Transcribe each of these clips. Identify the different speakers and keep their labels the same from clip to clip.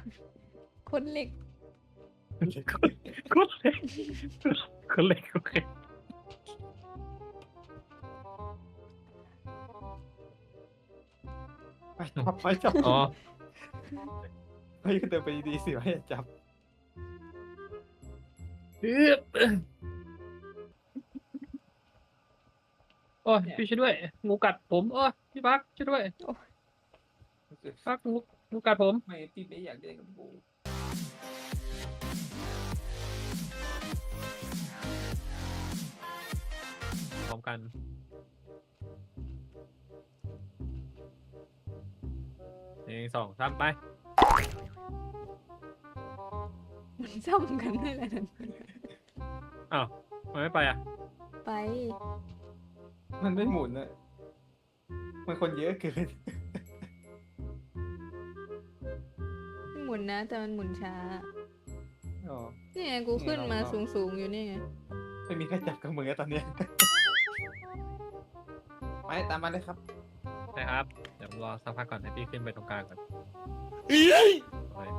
Speaker 1: คนเหล็ก
Speaker 2: คนเล็กคนเล็กโอเค
Speaker 3: ไปจับ
Speaker 2: อ๋อ
Speaker 3: ไปก็เดินไปดีๆสิไม่จับ
Speaker 2: โอ้ยพี่ช่วยด้วยงูกัดผมโอ้ยพี่พักช่วยด้วยพักงูกัดผม
Speaker 3: ไม่พี่ไม่อยากเล่นกับกู
Speaker 2: พร้อมกัน1 2 3ไป
Speaker 1: มันซ้ำกันได้แหละนั่น
Speaker 2: อ้าวมันไม่ไปอ่ะ
Speaker 1: ไป
Speaker 3: มันไม่หมุนอะมันคนเยอะเกิน
Speaker 1: หมุนนะ แต่มันหมุนช้า
Speaker 3: อ๋อ
Speaker 1: นี่ไงกูขึ้นมาสูงๆอยู่นี่ไง
Speaker 3: ไม่มีใครจับกับมือตอนเนี้ยไปตามมาเลยครับ
Speaker 2: นะครับเดี๋ยวรอสักพักก่อนให้พี่ขึ้นไปตรงกลางก่อนโอ้ย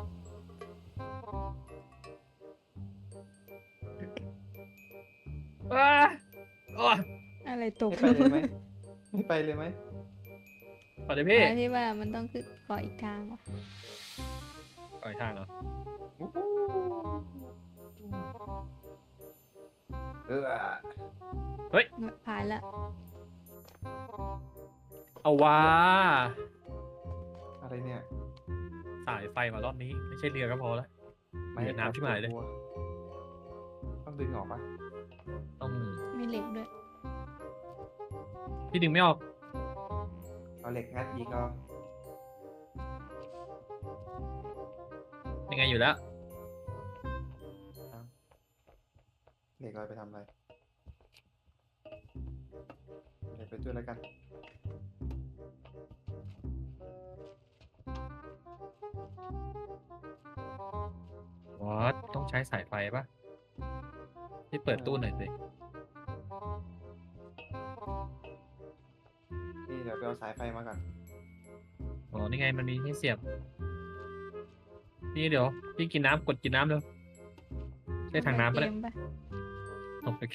Speaker 2: ว้าโอ้ย
Speaker 1: อะไรตก
Speaker 3: ไม่ไปเลยไหมไม่ไปเลยไหม
Speaker 2: ขอเดี๋ยวพี่
Speaker 1: พี่ว่ามันต้องขึ้นขออีกทางว่ะ
Speaker 2: ปล่อยทางเหรอ
Speaker 3: อู้หู
Speaker 1: ผ่านละ
Speaker 2: เอาว่า
Speaker 3: อะไรเนี่ย
Speaker 2: สายไฟมารอบนี้ไม่ใช่เรือก็พอแล้ว เหยียดน้ำชิบหายเลย
Speaker 3: ต้องดึงออกปะ
Speaker 2: ต้อง
Speaker 1: มีเหล็กด้วย
Speaker 2: พี่ดึงไม่ออก
Speaker 3: เอาเหล็กงัดยิงเอา
Speaker 2: ยังไงอยู่แล้ว
Speaker 3: เหล็กเราไปทำอะไรเหล็กไปด้วยแล้วกัน
Speaker 2: วอทต้องใช้สายไฟปะพี่เปิดตู้หน่อยสิ
Speaker 3: นี่เดี๋ยวไปเอาสายไฟมาก่อน
Speaker 2: อ๋อนี่ไงมันมีให้เสียบพี่เดี๋ยวพี่กินน้ำกดกินน้ำเร็วได้ถังน้ำปะเนี่ย
Speaker 1: เกมปะ
Speaker 2: โอเค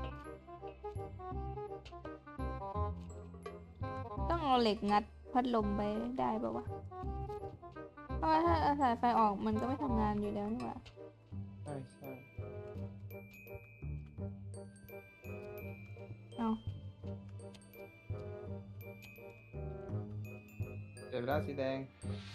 Speaker 1: ต้องเอาเหล็กงัดพัดลมไปได้ปะวะ เพราะว่าถ้าเอาสายไฟออกมันก็ไม่ทำงานอยู่แล้วนี่หว่า
Speaker 3: ใช่ใช่
Speaker 1: เอา
Speaker 3: เดี๋ยวเวลาสีแดง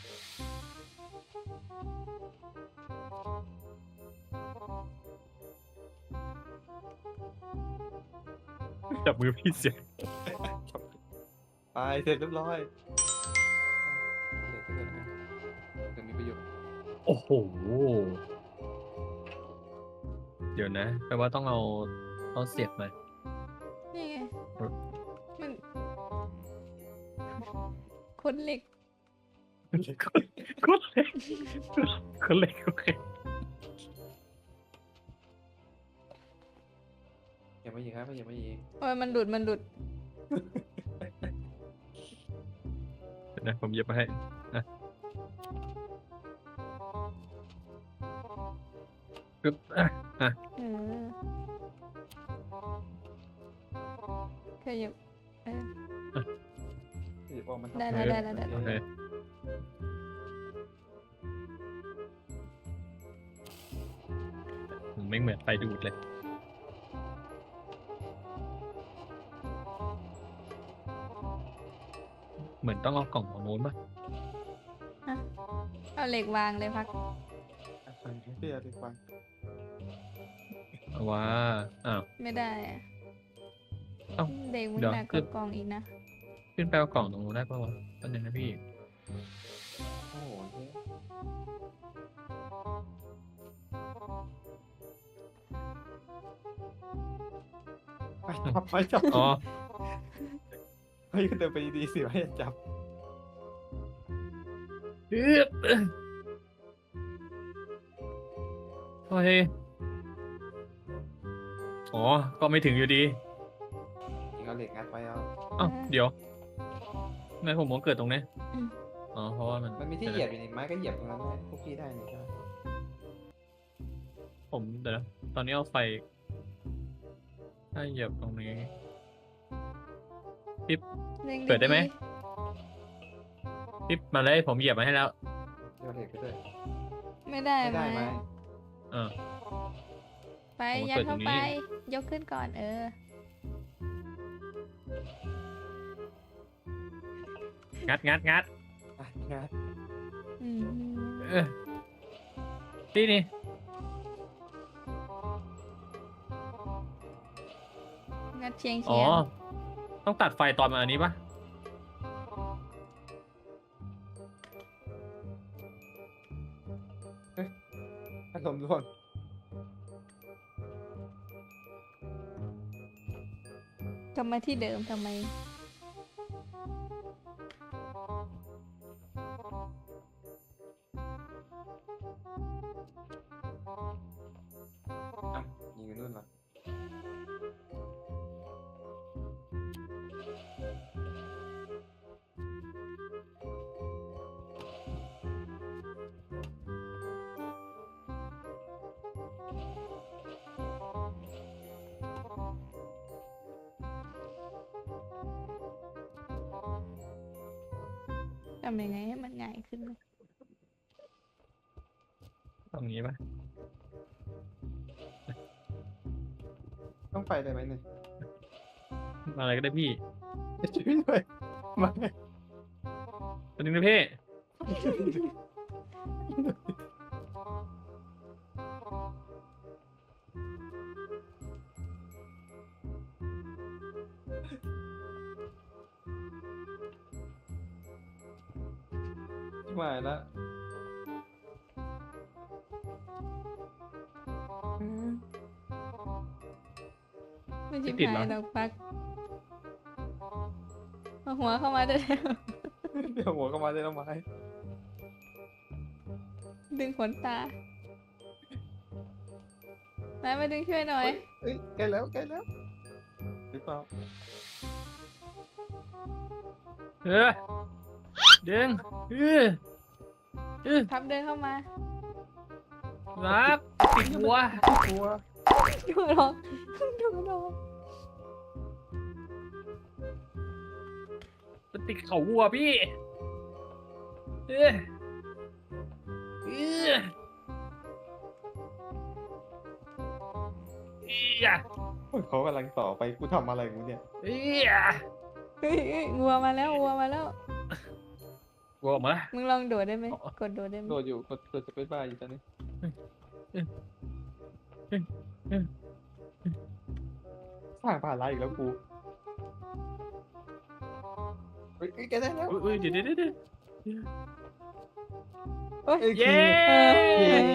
Speaker 2: จับมือพี่เสีย
Speaker 3: ไปเสร็จเรียบร้อยเหล็กไปเลยนะจะมีประโยชน์
Speaker 2: โอ้โหเดี๋ยวนะแปลว่าต้องเอาเสียบมา
Speaker 1: นี่ไง
Speaker 2: เออ
Speaker 1: มันคนเหล็ก
Speaker 2: คนเล็กคนเล็กโอเค
Speaker 3: อย่ามายิงครับอย่ามายิง
Speaker 1: โอ้ยมันหลุด
Speaker 2: เดี๋ยวนะผมเย็บมาให้นะปึ๊บ
Speaker 1: เออขยับเออ
Speaker 3: หยิบออกมาทำ
Speaker 1: ได้
Speaker 2: โอเคไม่เหมือนไฟดูดเลยเหมือนต้องเอากล่องของโน้นป่ะ
Speaker 1: เอาเหล็กวางเลยพัก
Speaker 3: พี่เอาดีกว่า
Speaker 2: เอาว่าอ้าว
Speaker 1: ไม่ได้อะ
Speaker 2: เอ้า
Speaker 1: เด็กมัน
Speaker 2: เดี๋ยว
Speaker 1: หนักก
Speaker 2: ขึ้
Speaker 1: ว่าน กองอีกนะ
Speaker 2: ขึ้นไปเอากล่องตรงนู้นได้ป่าวะตอนนึงนะพี่
Speaker 3: โอ้โหเฮ้ยไปจับ
Speaker 2: อ๋อ
Speaker 3: ไปก็เดินไปดีๆสิไม่จับ
Speaker 2: โอเคอ๋อ ก็ไม่ถึงอยู่ดี
Speaker 3: ยิงเอาเหล็กงัดไปเอา
Speaker 2: เอ้าเดี๋ยวทำไมผมมองเกิดตรงนี้
Speaker 1: ม
Speaker 2: อ๋อเพราะว่ามัน
Speaker 3: มันมีที่เหยียบอยู่นี่ไม้ก็เหยียบตรงนั้นได้พวกพี่ได้นี่ใช่ไหม
Speaker 2: ผมเดี๋ยวนะตอนนี้เอาไฟถ้าเหยียบตรงนี้
Speaker 1: ร่ง
Speaker 2: เปิดได้ไหม
Speaker 1: ๆ
Speaker 2: ปิ๊บมาเลยผมเหยียบมาให้แล้ว
Speaker 3: เดี๋ยวเหล็กไปด้วย
Speaker 1: ไม่ได้
Speaker 3: ไม่ได้
Speaker 1: ไห
Speaker 3: ไห
Speaker 1: ม
Speaker 3: ม
Speaker 2: เออ
Speaker 1: ไป
Speaker 2: ผม
Speaker 1: ยัด
Speaker 2: เปิดตร
Speaker 1: เข้าง
Speaker 2: นี้
Speaker 1: ไป ยกขึ้นก่อนเออ
Speaker 2: งัด
Speaker 3: อ่ะงัด
Speaker 1: อืม
Speaker 2: เออนี่นี่
Speaker 1: งัดเชียง
Speaker 2: อ๋อ
Speaker 1: เชียง
Speaker 2: ต้องตัดไฟตอนมาอันนี้ปะ
Speaker 3: อารมณ์ร่วง
Speaker 1: กลับมาที่เดิมทำไม
Speaker 3: อ่ะยิงกันนู่นเหรอ
Speaker 1: ทำยังไงให้มันง่ายขึ้นนะ
Speaker 2: ตรงนี้ปะ
Speaker 3: ต้องไปได้ไหมเนี่ย
Speaker 2: อะไรก็ได้พี่
Speaker 3: ช่วยด้วยมา
Speaker 2: ตอนนี้นะพี่
Speaker 3: มาแล้ว
Speaker 1: ไม่ชิบหายดอกปักเอาหัวเข้ามาได้แล้ว
Speaker 3: เดี๋ยวหัวก็มาได้แล้วไม้
Speaker 1: ดึงขนตามาดึงช่วยหน่อย
Speaker 3: เอ้ยใกล้แล้วใกล้แล้วหรือเปล่า
Speaker 2: เออดึงเออ
Speaker 1: พับเดินเข้ามา
Speaker 2: รับติดหัว
Speaker 3: กลัว
Speaker 1: ดูหรอกดูหรอก
Speaker 2: มันติดเขาวัวพี่เออเออเอีย
Speaker 3: เขากำลังต่อไปกูทำอะไรกูเนี่ย
Speaker 2: เอีย
Speaker 1: เฮ้ยงัวมาแล้วงัวมาแล้ว
Speaker 2: วัวออกมา
Speaker 1: มึงลองโดดได้ไหม
Speaker 2: อ๋อ
Speaker 1: กดโดดได้ไหม
Speaker 3: โดดอยู่กดจะเป็นบ้าอยู่ตอนนี้สร้างภาระอีกแล้วกูเฮ้ยแกได้แล้ว
Speaker 2: อุ้ยเดี๋ยว
Speaker 1: โอ๊ย
Speaker 2: เย้
Speaker 3: เย้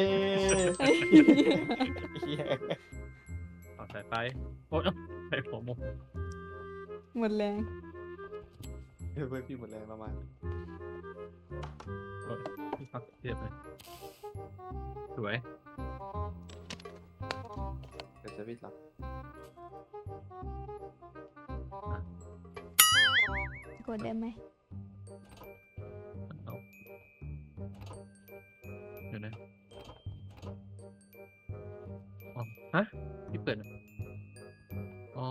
Speaker 2: เอาสายไฟโอ๊ยไฟผมหมด
Speaker 1: หมดแรง
Speaker 3: เพื่อนพี่หมดแรงประมาณ
Speaker 2: พี่พักเทียบเลยสวย
Speaker 3: เดี๋ยวจะวิทย์หรอก
Speaker 1: กดได้ไหม
Speaker 2: เอาเดี๋ยวนะอ๋อฮะพี่เปิดอ่ะอ๋อ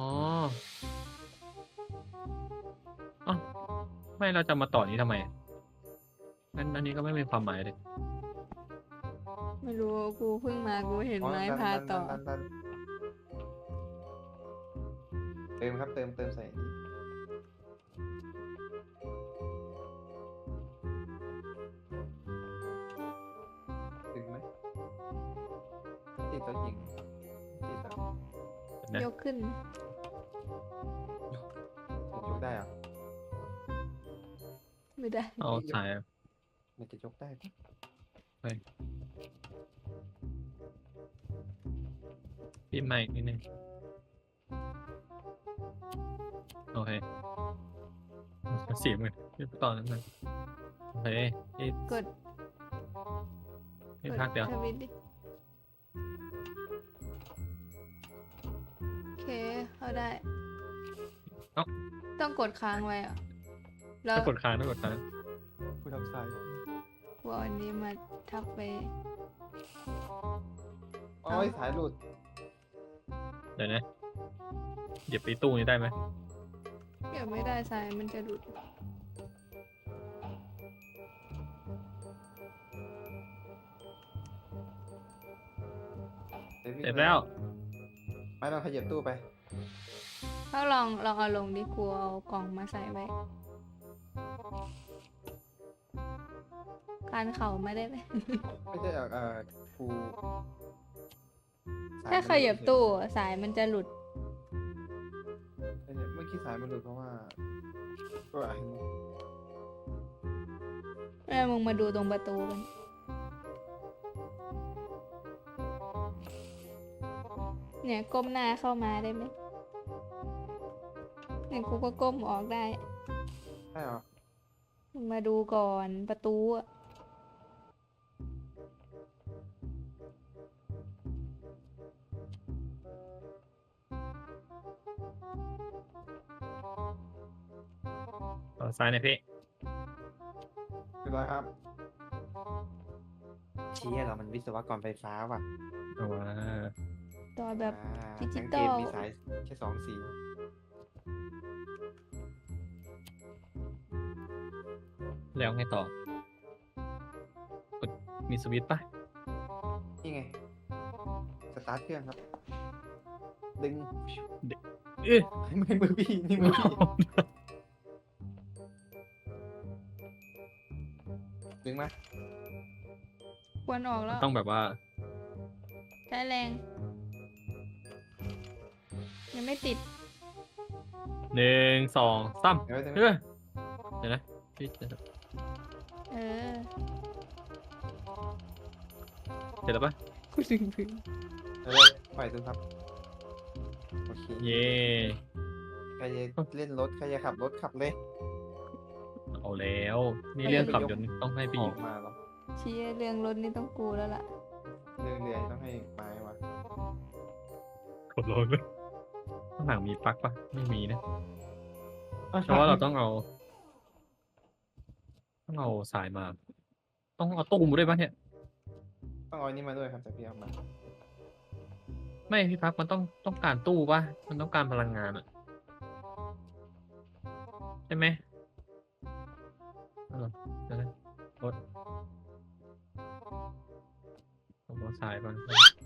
Speaker 2: อ๋อไม่เราจะมาต่อนี้ทำไมงั้นอันนี้ก็ไม่มีความหมายเลย
Speaker 1: ไม่รู้กูเพิ่งมากูเห็นไม้พาต่อ
Speaker 3: ดันเติมครับเติมใส่นี่ถึงไหมติดแล้วยิงติดแล้ว
Speaker 2: นะ
Speaker 1: ยกขึ้น
Speaker 3: ผมยกได้เหรอ
Speaker 1: ไม่ได้
Speaker 2: เอาสาย
Speaker 3: มันจะยกได้ปะ
Speaker 2: พี่ใหม่อีกนิดนึงโอเคเสียงเลยพี่ตอนนั้นเลยโอเคพี่
Speaker 1: กด
Speaker 2: พี่พักเดี๋ยว
Speaker 1: ทวิตดิโอเคเข้าได้ ต้องกดค้างไว้เหรอะแล้ว
Speaker 2: ต้องกดค้าง
Speaker 3: กูททำสาย
Speaker 1: กลัวอันนี้มาทับไป
Speaker 3: โอ้ยสายหลุด
Speaker 2: เดี๋ยวนะเหยียบไปตู้นี้ได้ไหม
Speaker 1: เก็บไม่ได้สายมันจะหลุด
Speaker 2: เสร็จแล้ว
Speaker 3: ไม่เราขยับตู้ไป
Speaker 1: ถ้าลองเอาลงดิกลัวเอากล่องมาใส่ไว้คานเข่าไม่ได้ไหม
Speaker 3: ไม่ใช่ครูส
Speaker 1: ถ้าขยับตู้สายมันจะหลุด
Speaker 3: เมื่อกี้สายมันหลุดเพราะว่าก็อันนี้
Speaker 1: มึงมาดูตรงประตูกันเนี่ยก้มหน้าเข้ามาได้ไหมเนี่ยกูก็ก้มออกได้
Speaker 3: ใช่เหรอ
Speaker 1: มึงมาดูก่อนประตูอะ
Speaker 2: ต่อซ้ายหน่อยพี่
Speaker 3: เรียบร้อยครับเชี่ยเรามันวิศวกรไฟฟ้าว่ะ
Speaker 2: เอาว่า
Speaker 1: ต่อแบบ ดิจิ
Speaker 3: ทั้ง
Speaker 1: ตอ
Speaker 3: เก
Speaker 1: ล
Speaker 3: มมีสายแค่2 สี
Speaker 2: แล้วไงต่อกดมีสวิตช์ปะ
Speaker 3: นี่ไง สตาร์ทเครื่องครับ ดึง
Speaker 2: เอ๊ะ
Speaker 3: ไม่มือพี่นี่มือพี่ดึงมา
Speaker 1: ควรออกแล้ว
Speaker 2: ต้องแบบว่า
Speaker 1: ใช้แรง ยังไม่ติด
Speaker 2: 1 2 3
Speaker 3: เดี๋ยวไว้
Speaker 2: เฮ้ยเดี๋ยวนะพี่เสร็จ
Speaker 1: เออ
Speaker 2: แล้วปะ
Speaker 1: กูดึงพื้น
Speaker 3: เดี๋ยวเลยปล่อยดูครับ โอเค
Speaker 2: เย่
Speaker 3: ใครจะเล่นรถ ใครจะขับรถขับเลย
Speaker 2: เอาแล้วนี่เรื่องขับยนต์ต้องให้พี่
Speaker 3: อ
Speaker 2: หญิ
Speaker 3: อง กมาแล้ว
Speaker 1: ชี้เรื่องรถนี่ต้องกูแล้วล่ะ
Speaker 3: เรื่องเรือต้องให้ไม้วะ
Speaker 2: กดลงเลยข้างหลังมีปลั๊กปะไม่มีนะเพราะว่าเราต้องเอาสายมา ต้องเอาตู้มาด้วยปะเนี่ย
Speaker 3: ต้องเอาอันนี้มาด้วยครับแต่พี่เอามา
Speaker 2: ไม่พี่พักมันต้องการตู้ปะมันต้องการพลังงานอะใช่ไหมเอาเหรอเดี๋ยวนะรถผมเอาสายก่อน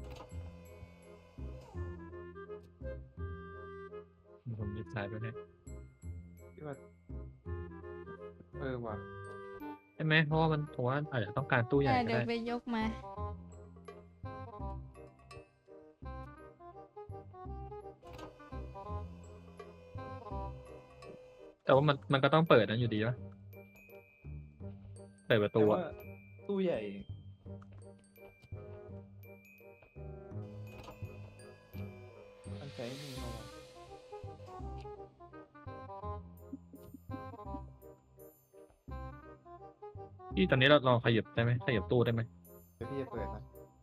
Speaker 2: ผมยึดสายไปเนี่ย
Speaker 3: พี่ว่าว่ะ
Speaker 2: ใช่ไหมเพราะว่ามันผมว่าอาจจะต้องการตู้ใหญ่ก็
Speaker 1: เดี๋ยว
Speaker 2: ได้
Speaker 1: ไปยกมา
Speaker 2: แต่ว่ามันก็ต้องเปิดนะอยู่ดีวะเปิดประตู
Speaker 3: แต่
Speaker 2: อะ
Speaker 3: ว่าตู้ใหญ่ มันใช้มือเราอะ
Speaker 2: ที่ตอนนี้เราลองขยับได้ไหมขยับตู้ได้ไหม
Speaker 3: เดี๋ยวพี่จะเปิดนะ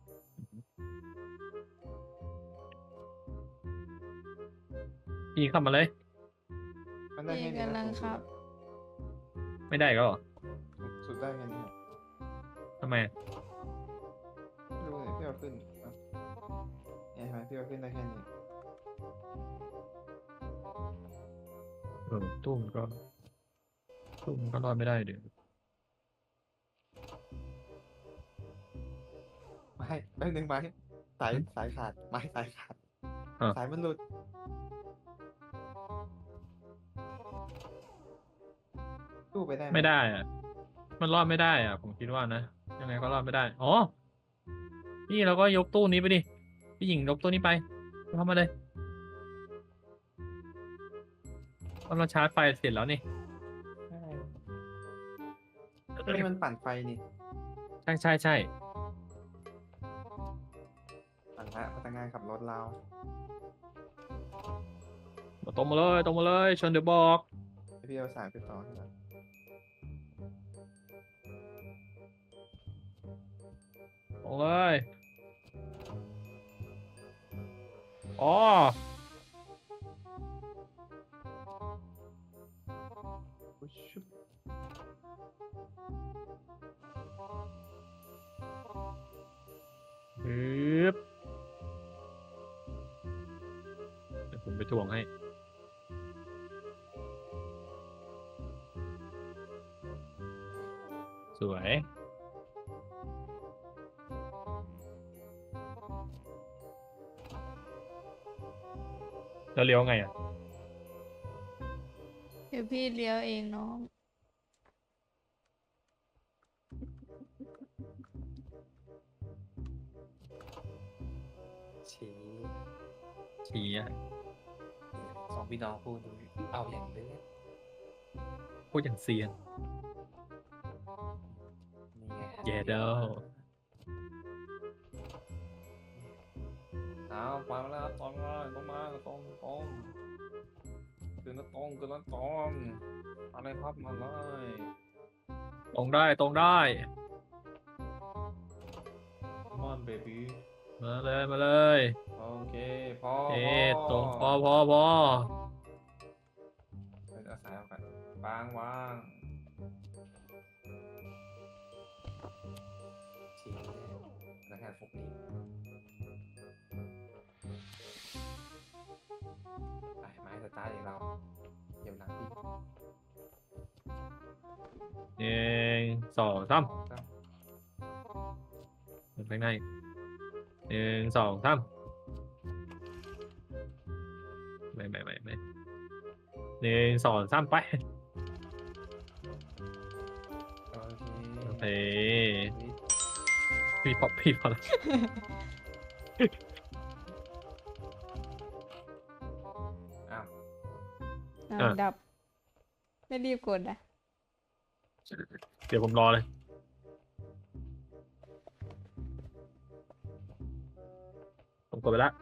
Speaker 2: พี่เข้ามาเลย
Speaker 3: มันได้
Speaker 1: พี่
Speaker 3: แค่นี้
Speaker 1: กำลัง
Speaker 3: นะ
Speaker 1: ครับ
Speaker 2: ไม่ได้ก็หรอ
Speaker 3: สุดได้แค่นี้ครับ
Speaker 2: ทำไม
Speaker 3: ไม่รู้เนี่ยพี่เอาขึ้นอ่ะเนี่ยเห็นไหมพี่เอาขึ้นได้แค่นี้
Speaker 2: ตู้มันก็รอดไม่ได้เดี๋ยว
Speaker 3: ไม่แป๊บนึงไม้สายขาดไม้สายขาด
Speaker 2: อ่ะ
Speaker 3: สายมันหลุดตู้ไปได้ห
Speaker 2: ไม่ได้อะมันรอดไม่ได้อ่ะผมคิดว่านะยังไงก็รอดไม่ได้อ๋อนี่เราก็ยกตู้นี้ไปดิพี่หญิงยกตู้นี้ไปเข้ามาเลยเราชาร์จไฟเสร็จแล้วนี่
Speaker 3: นี่มันปั่นไฟนี่
Speaker 2: ใช่
Speaker 3: ปั่นละพนักงานขับรถเรา
Speaker 2: ตรงมาเลยชนเดี๋ยวบอก
Speaker 3: เดี๋ยวพี่เอาสายไปต่อให้ละ
Speaker 2: ตรงเลยอ๋อ
Speaker 3: อุ๊ยชุบ
Speaker 2: ทวงให้ สวยแล้วเลี้ยวไงอ่ะ
Speaker 1: เดี๋ยวพี่เลี้ยวเองน้อง
Speaker 3: ชี้
Speaker 2: ชี้อ่ะ
Speaker 3: สองพี่น้องพูดดูเอาอย่างเด้อ
Speaker 2: พูดอย่างเซียน
Speaker 3: นี่ไง
Speaker 2: เยเดอ
Speaker 3: เอาฟังแล้วตรงเลยตรงมาตรงคือนัดตรงคือนัดตรงอะไรครับมาเลย
Speaker 2: ตรงได้ตรงได้
Speaker 3: มอนเบบี้
Speaker 2: มาเลยมาเลย
Speaker 3: โอเคพอ
Speaker 2: เอ๊ะตรงพอ
Speaker 3: เป็นอาศัยเอากันวางชี้พนักงานฟุกนี้ไปไม้สตาร์ทอย่างเราเดี๋ยวหลังพี่
Speaker 2: หนึ่งสองสาม
Speaker 3: ครับ
Speaker 2: เดินไปไหนหนึ่งสองสามไม่หนึ่งสองสามไป
Speaker 3: โอเค
Speaker 2: โอเคพี่พอแล้ว
Speaker 3: อ้าว
Speaker 1: อ่ะดับ ไม่รีบกดอ่ะ
Speaker 2: เดี๋ยวผมรอเลย ผมกดไปแล้ว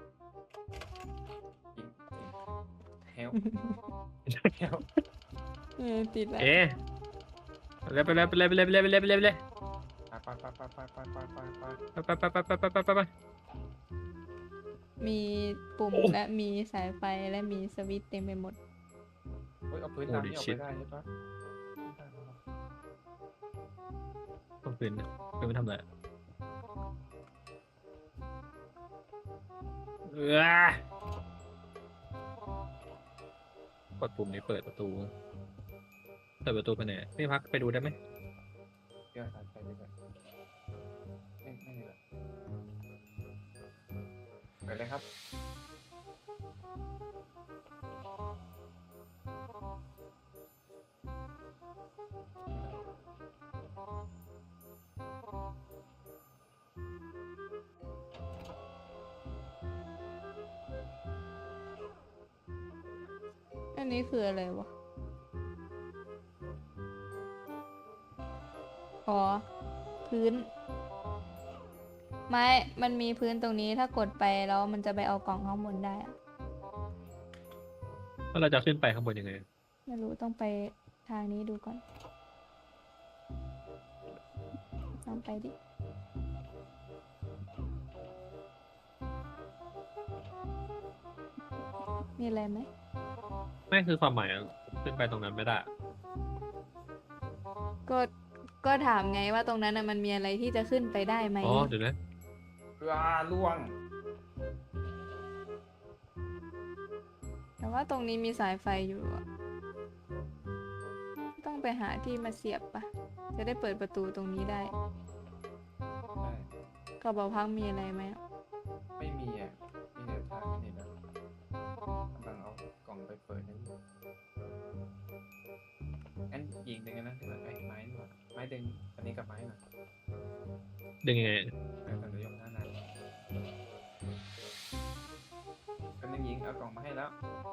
Speaker 3: เฮลเฮล
Speaker 1: ติดแล้ว
Speaker 2: เอ๊ะไปเลย
Speaker 3: ไปไปไปไปไปไปไป
Speaker 2: ไป
Speaker 1: มีปุ่ม
Speaker 2: โอ้
Speaker 1: และมีสายไฟและมีสวิตช์เต็มไปหมด
Speaker 3: เฮ้ยเอาพื้นดำนี่ออกไปได้ใช่ปะ
Speaker 2: ต้องคืนไม่ทำอะไรกดปุ่มนี้เปิดประตูไปไหนพี่พักไปดูได้ไหม
Speaker 3: เดี๋ยวตัดไปดีกว่าไม่ดีกว่าไปเลยครับ
Speaker 1: อันนี้คืออะไรวะ อ๋อ พื้น ไม้ มันมีพื้นตรงนี้ถ้ากดไปแล้วมันจะไปเอากล่องข้างบนได้อะ
Speaker 2: แล้วเราจะขึ้นไปข้างบนยังไง
Speaker 1: ไม่รู้ต้องไปทางนี้ดูก่อนลองไปดิ มีอะไรไหม
Speaker 2: ไม่คือความหมายอะขึ้นไปตรงนั้นไม่ได้
Speaker 1: ก็ก็ถามไงว่าตรงนั้นน่ะมันมีอะไรที่จะขึ้นไปได้ไหม
Speaker 2: อ๋อเดี๋ยวนะ
Speaker 3: ล่วง
Speaker 1: แต่ว่าตรงนี้มีสายไฟอยู่อะต้องไปหาที่มาเสียบปะจะได้เปิดประตูตรงนี้ได้
Speaker 3: ได้
Speaker 1: กระเป๋าพักมีอะไรไหมอะ
Speaker 3: ไม่มีอ่ะมีแต่ทางนี่นะกำลังเอากล่องไปเปิดนั่นงั้นยิงดึงกันนะที่แบบไอ้ไม้นี่หว่าไม้ดึงอันนี้กับไม้หน่อย
Speaker 2: ดึงยังไง
Speaker 3: แต่เดี๋ยวยกหน้านานกันนึงยิงเอากล่องมาให้แล้ว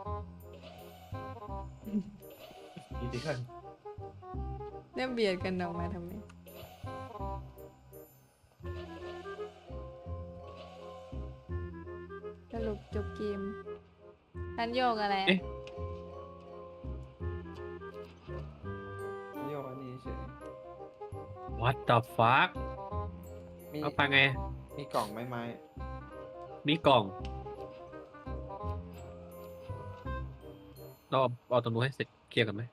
Speaker 3: ดีดีกัน
Speaker 1: เนี่ยเบียดกันออกมาทำไมสรุปจบเกมทันโยกอะไรอะ
Speaker 2: เอ๊ะ
Speaker 3: โยกอันนี้เฉย
Speaker 2: What the fuck
Speaker 3: มี
Speaker 2: เอาไปไง
Speaker 3: มีกล่องไม้ไม้
Speaker 2: มีกล่องเราเอาตรงนู้นให้เสร็จเคลียร์กันไหม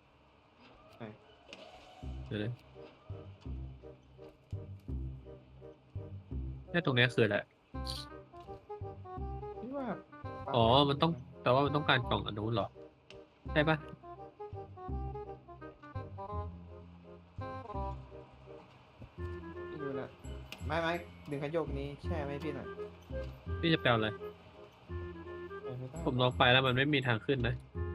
Speaker 2: เดี๋ยวเลยเนี่ยตรงเนี้ยคืออะไร
Speaker 3: ที่ว่า
Speaker 2: อ๋อ มันต้องแต่ว่ามันต้องการกล่องอันนู้นเหรอใช่ปะ
Speaker 4: ไม่รู้ละไม้ดึงคันโยกนี้แช่ไหมพี่หน่อย
Speaker 2: พี่จะแปลอะไร
Speaker 4: ไปไม่ได้
Speaker 2: ผมลองไปแล้วมันไม่มีทางขึ้นนะ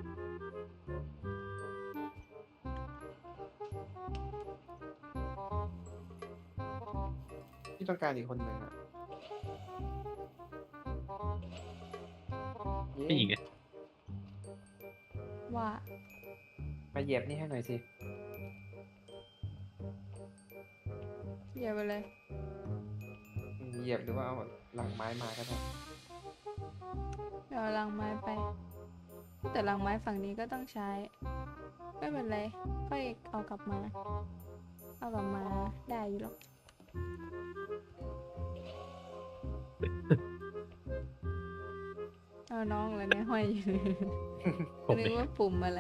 Speaker 4: พี่ต้องการอีกคนหนึ่งอ่ะ
Speaker 2: พี่หญิงไง
Speaker 1: ว่า
Speaker 4: มาเหยียบนี่ให้หน่อยสิ
Speaker 1: อย่าไปเลย
Speaker 4: เหยียบหรือว่าเอาหลังไม้มาก็ได้
Speaker 1: เอาลังไม้ไป แต่ลังไม้ฝั่งนี้ก็ต้องใช้ ไม่เป็นไรค่อยเอากลับมา เอากลับมาได้อยู่หรอก เอาน้องเลยเนี่ยห้อยอยู่
Speaker 2: ผม
Speaker 1: นึ
Speaker 2: เอก ง
Speaker 1: ว่าปุ่มอะไร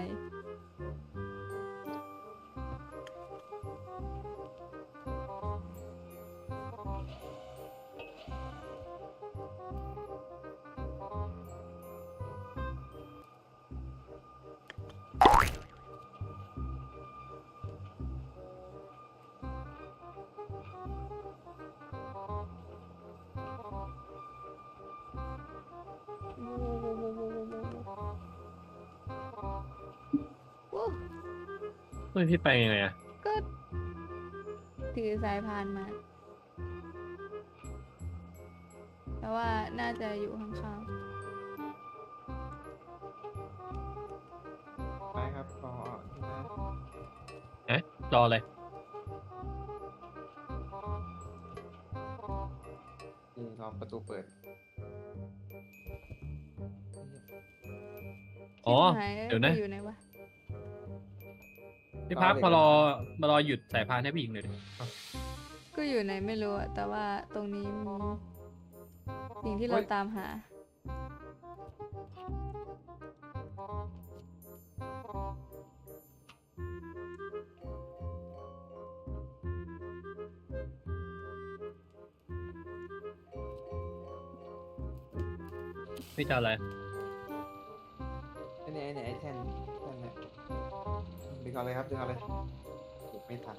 Speaker 1: โอ้
Speaker 2: เฮ้ยพี่ไปยังไงอะ
Speaker 1: ก็ถือสายพานมา แต่ว่าน่าจะอยู่ข้าง
Speaker 4: ไม้ครับรอนะ
Speaker 2: รอเลย
Speaker 4: นี่รอประตูเปิด
Speaker 1: ๆ
Speaker 2: อ๋อ
Speaker 1: ชิบหาย
Speaker 2: เดี๋ยวนะ
Speaker 1: อยู่ไหนวะ
Speaker 2: พี่พักมารอหยุดสายพานให้พี่หญิงหน่อยดิเอา
Speaker 1: ก็อยู่ไหนไม่รู้อะแต่ว่าตรงนี้มีสิ่งที่เราตามหา
Speaker 2: พี่จะเอาอะไร
Speaker 4: ไอ้เนี่ยไอ้แท่นเนี่ยดึงเอาเลยครับดึงเอาเลยเก็บไม่ทัน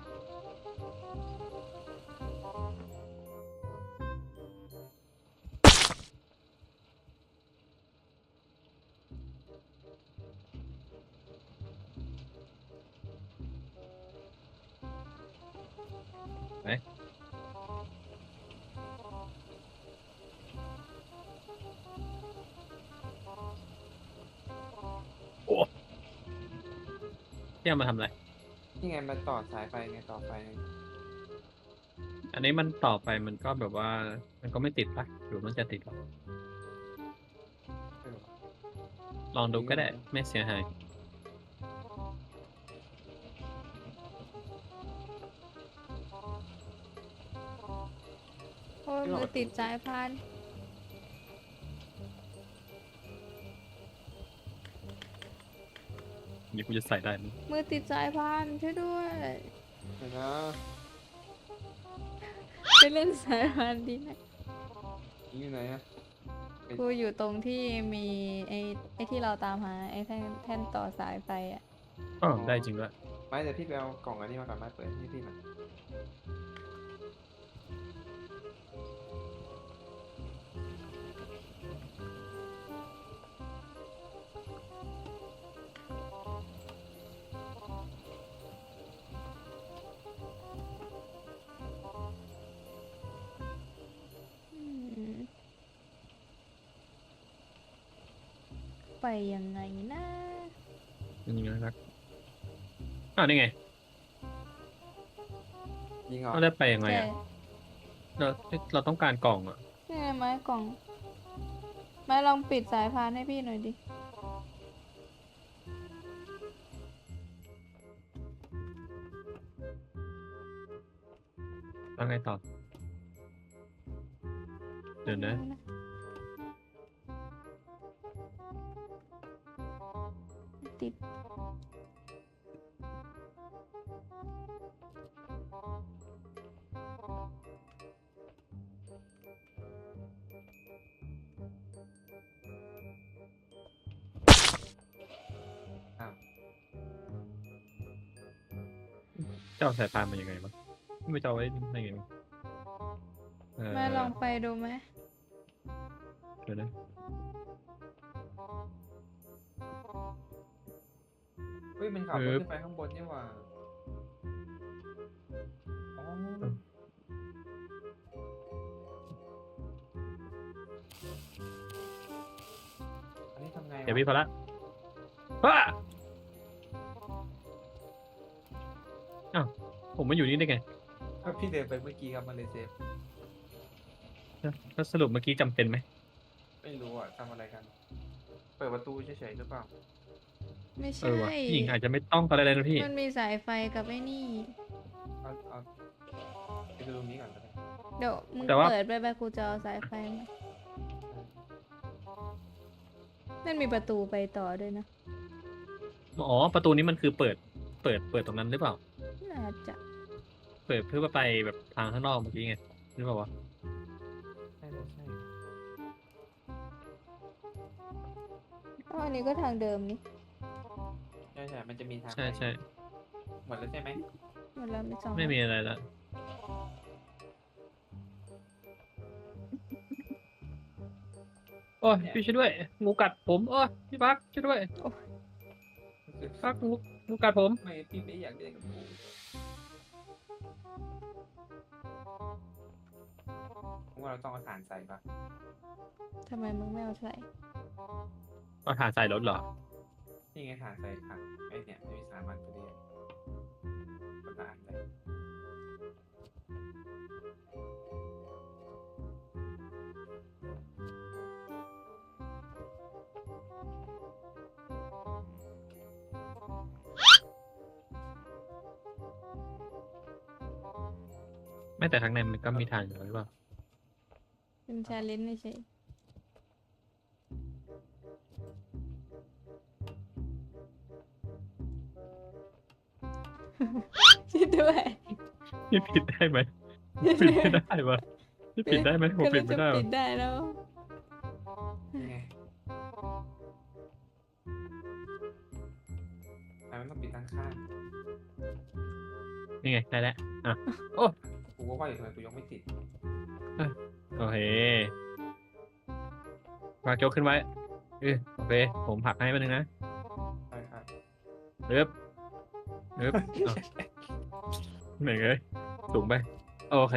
Speaker 2: พี่เอามาทำอะไร
Speaker 4: นี่ไงมันต่อสายไฟไงต่อไฟไง
Speaker 2: อันนี้มันต่อไปมันก็แบบว่า มันก็ไม่ติดปะหรือมันจะติดหรอ
Speaker 4: เออ
Speaker 2: ลองดูก็ได้ ไม่เสียหาย
Speaker 1: โอ้ยมือติดสายพาน
Speaker 2: นี่กูจะใส่ได้ไหม
Speaker 1: มือติดสายพานช่วยด้วย
Speaker 4: เดี๋ยวนะ
Speaker 1: ไปเล่นสายพานดีนะ
Speaker 4: นี่อยู่ไหนอะ
Speaker 1: กูอยู่ตรงที่มีไอ้ที่เราตามหาไอ้แท่นต่อสายไฟอ่ะ
Speaker 2: อ๋อได้จริงด้วย
Speaker 4: ไม้เดี๋ยวพี่ไปเอากล่องอันนี้มาก่อนไม้เปิดให้พี่หน่อย
Speaker 1: อืมไปยังไงนะ
Speaker 2: ยังไงครับอ้าวนี่ไง
Speaker 4: ยิงเหรอ
Speaker 2: เราได้ไปยังไง
Speaker 1: ใช่
Speaker 2: อะเราต้องการกล่องอะ
Speaker 1: นี่ไงไม้กล่อง ไม้ลองปิดสายพานให้พี่หน่อยดิ
Speaker 2: แล้วไงต่อ เดี๋ยวนะ
Speaker 1: ติด
Speaker 2: จะเอาสายพานมายังไงวะไม่จะเอาไว้ได้ไงวะเ
Speaker 1: แม่ลองไปดูไหม
Speaker 2: เดี๋ยวนะ
Speaker 4: เฮ้ยมันขับรถขึ้นไปข้างบนนี่หว่าอ๋ออันนี้ทำไงวะ
Speaker 2: เดี๋ยวพี่พอละว้าอ้าวผมมาอยู่นี่ได้ไง
Speaker 4: ก็พี่เดินไปเมื่อกี้ครับมันเลยเซฟ
Speaker 2: แล้วสรุปเมื่อกี้จำเป็นไหม
Speaker 4: ไม่รู้อ่ะทำอะไรกัน เปิดประตูเฉยๆหรือเปล่า
Speaker 1: ไม่
Speaker 2: เอ
Speaker 1: ใช่
Speaker 2: อวะพี่หญิงอาจจะไม่ต้องอะไรเลยนะพี่
Speaker 1: มันมีสายไฟกับไอ้นี่
Speaker 4: เอาไปดูตรงนี้ก่อนก็ได้
Speaker 1: เดี๋ยวมึง
Speaker 2: แต่ว่า
Speaker 1: เปิดไปกูจะเอาสายไฟมานั่นมีประตูไปต่อด้วยนะ
Speaker 2: อ๋อประตูนี้มันคือเปิดตรงนั้นหรือเปล่า
Speaker 1: น่าจะ
Speaker 2: เปิดเพื่อไปแบบทางข้างนอกเมื่อกี้ไงหรือเปล่าวะ
Speaker 4: ใช่ใช่
Speaker 1: อ๋ออันนี้ก็ทางเดิมนี่
Speaker 4: ใช่ใช่มันจะมีทาง
Speaker 2: ใช่ใช่
Speaker 4: หมดแล้วใช่ไหม
Speaker 1: หมดแล้วมีสอง
Speaker 2: ไม่มีอะไรละโอ้ยพี่ช่วยด้วยงูกัดผมโอ้ยพี่พักช่วยด้วยพักงูกัดผม
Speaker 4: ไม่พี่ไม่อยากเล่นกับกูผมว่าเราต้องเอาถ่านใส่ปะ
Speaker 1: ทำไมมึงไม่เอาใส่
Speaker 2: เอาถ่านใส่รถเหรอ
Speaker 4: นี่ไงถ่านใส่ถังไอ้เนี่ยไม่มีสามันพอดีคนละอันเลย
Speaker 2: ไม่แต่ข้างในมันก็มีถ่านอยู่หรือเปล่า
Speaker 1: เป็นชาเลนจ์เฉยช่วยด้วย
Speaker 2: พี่ปิดได้ไหมปิดไม่ได้วะพี่ปิดได้ไหมผมปิดไม่ได้
Speaker 1: กำลังจะ
Speaker 2: วะ
Speaker 1: ปิดได้แล้ว
Speaker 4: นี่ไงแต่มันต้องปิดด้านข้าง
Speaker 2: นี่ไงได้แล้วอ่ะ
Speaker 4: กูก็ว่าอยู่ทำไมกูยังไม่ติด
Speaker 2: โอเควางโจ๊กขึ้นไว้โอเคผมผลักให้มันนึงนะ
Speaker 4: ใช่ครับ
Speaker 2: เอิบเอาเหนื่อยเลยสูงไปโอเค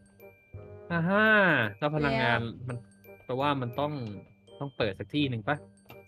Speaker 2: แล้วพลังงานมันแปลว่ามันต้องเปิดสักที่หนึ่งปะ